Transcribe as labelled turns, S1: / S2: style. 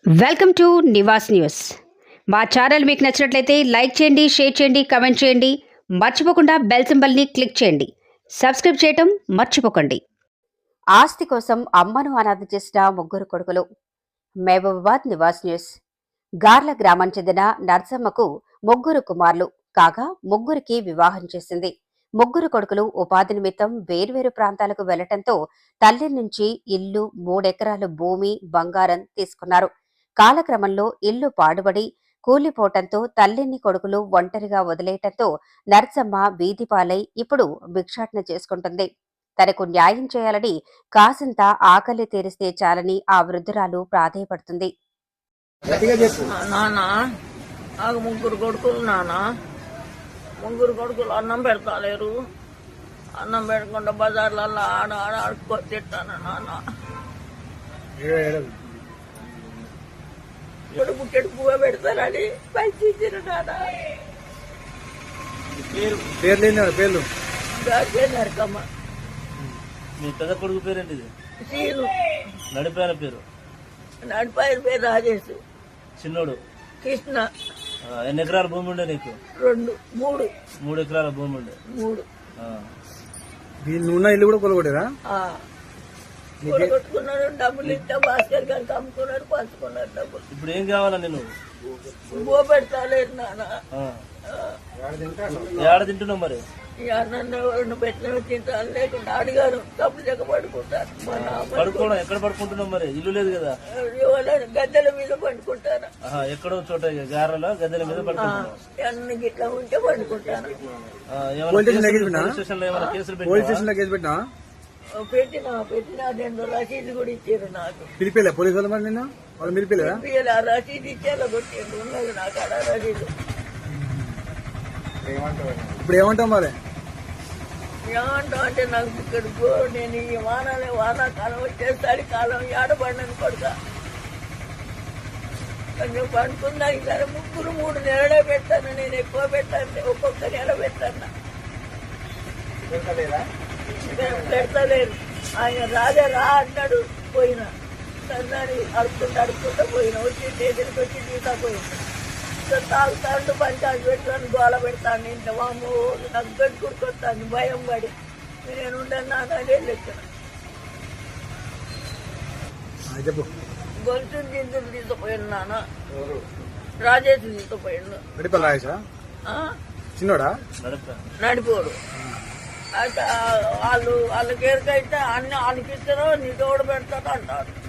S1: Welcome to Nivas News. మా channel మీకు నచ్చినట్లయితే లైక్ చేయండి, షేర్ చేయండి, కమెంట్ చేయండి. మర్చిపోకుండా బెల్ సింబల్ని క్లిక్ చేయండి. సబ్స్క్రైబ్ చేయటం మర్చిపోకండి. ఆస్తి కోసం అమ్మను అనాథ చేసిన ముగ్గురు కొడుకులు. మహబూబాబాద్ నివాస్ న్యూస్. గార్ల గ్రామం చెందిన నర్సమ్మకు ముగ్గురు కుమారులు కాగా ముగ్గురికి వివాహం చేసింది. ముగ్గురు కొడుకులు ఉపాధి నిమిత్తం వేర్వేరు ప్రాంతాలకు వెళ్లటంతో తల్లి నుంచి ఇల్లు, 3 ఎకరాల భూమి, బంగారం తీసుకున్నారు. కాలక్రమంలో ఇల్లు పాడుబడి కూలిపోవటంతో తల్లిని కొడుకులు ఒంటరిగా వదిలేయటంతో నర్సమ్మ వీధిపాలై ఇప్పుడు భిక్షాటన చేసుకుంటుంది. తనకు న్యాయం చేయాలని, కాసింత ఆకలి తీరిస్తే చాలని ఆ వృద్ధురాలు ప్రాధేయపడుతుంది.
S2: ముగ్గురు కొడుకులు ముగ్గురు కొడుకులు అన్నం పెడతాలేరు. అన్నం పెట్టకుండా బజార్లలో ఆడుకో తిట్టాను నాన్న. ఇప్పుడు బుక్కెడు పువ్వు పెడతారని పైకి ఇచ్చారు నాన్న.
S3: పేర్లు
S2: నరకమ్మ.
S3: మీ పెద్ద కొడుకు పేరేంటి?
S2: సీను.
S3: నడిపాయన పేరు?
S2: నడిపాయన పేరు రాజేష్.
S3: చిన్నోడు
S2: కృష్ణ.
S3: ఎన్ని ఎకరాల భూమి ఉండే నీకు?
S2: 3
S3: ఎకరాల భూమి ఉండే.
S2: 3.
S3: ఉన్న ఇల్లు కూడా కొలగొట్టారా?
S2: కొట్టుకున్నాడు. డబ్బులు ఇస్తే భాస్కర్ గారికి అమ్ముకున్నాడు, పంచుకున్నాడు డబ్బులు.
S3: ఇప్పుడు ఏం కావాలా నేను?
S2: బో పెడతాలేదు నాన్న.
S3: ఏడ తింటున్నావు మరి?
S2: ఈ అన్నం పెట్టిన తింటాను, లేకుండా అడిగారు డబ్బులు చెక్క పడుకుంటారు.
S3: పడుకోవడం ఎక్కడ పడుకుంటున్నావు మరి? ఇల్లు లేదు కదా?
S2: గద్దెల మీద పండుకుంటాను.
S3: ఎక్కడో చోట గారెలో గద్దెల మీద పడుకుంటాను.
S2: అన్ని గిట్లా ఉంటే పండుకుంటాను. పెట్టినా 2 రసీదు కూడా ఇచ్చారు నాకు.
S3: పిలిపిలే పోలీసు వాళ్ళు? మరి నిన్న వాళ్ళు పిలిపిలేదా?
S2: రసీదు ఇచ్చేలా కొట్టిండు. ఉన్నది నాకు అలా రసీదు.
S3: ఇప్పుడు ఏమంటావు మరి?
S2: ఏమంటావు అంటే నాకు ఇక్కడ నేను ఈ వానాకాలం వచ్చేసరి కాలం ఏడబడినని కొడుక కొంచెం పండుకుందా. ఈసారి 3 నెలలే పెట్టాను. నేను ఎక్కువ పెట్టాను, ఒక్కొక్క నెల పెట్టాను. పెడతలేరు. ఆయన రా అన్నాడు. పోయినా సన్నాడు అడుపుకుంటూ పోయినా. వచ్చి స్టేషన్కి వచ్చి తీసుకుపోయినా. తాగుతాడు, పంచాయతీ పెడతాను, గోల పెడతాను. ఇంట్లో వాము నాకు గట్టుకుడుకొస్తాను భయం పడి. నేను ఉండను నాన్న లెక్కన. గొలుసు గింజలు తీసుకుపోయాను నాన్న. రాజేష్ తీసుకుపోయాను. నడిపోడు. అయితే వాళ్ళకి ఎరకైతే అన్ని వాళ్ళకి ఇస్తారో నీ తోడు పెడతాడు అంటారు.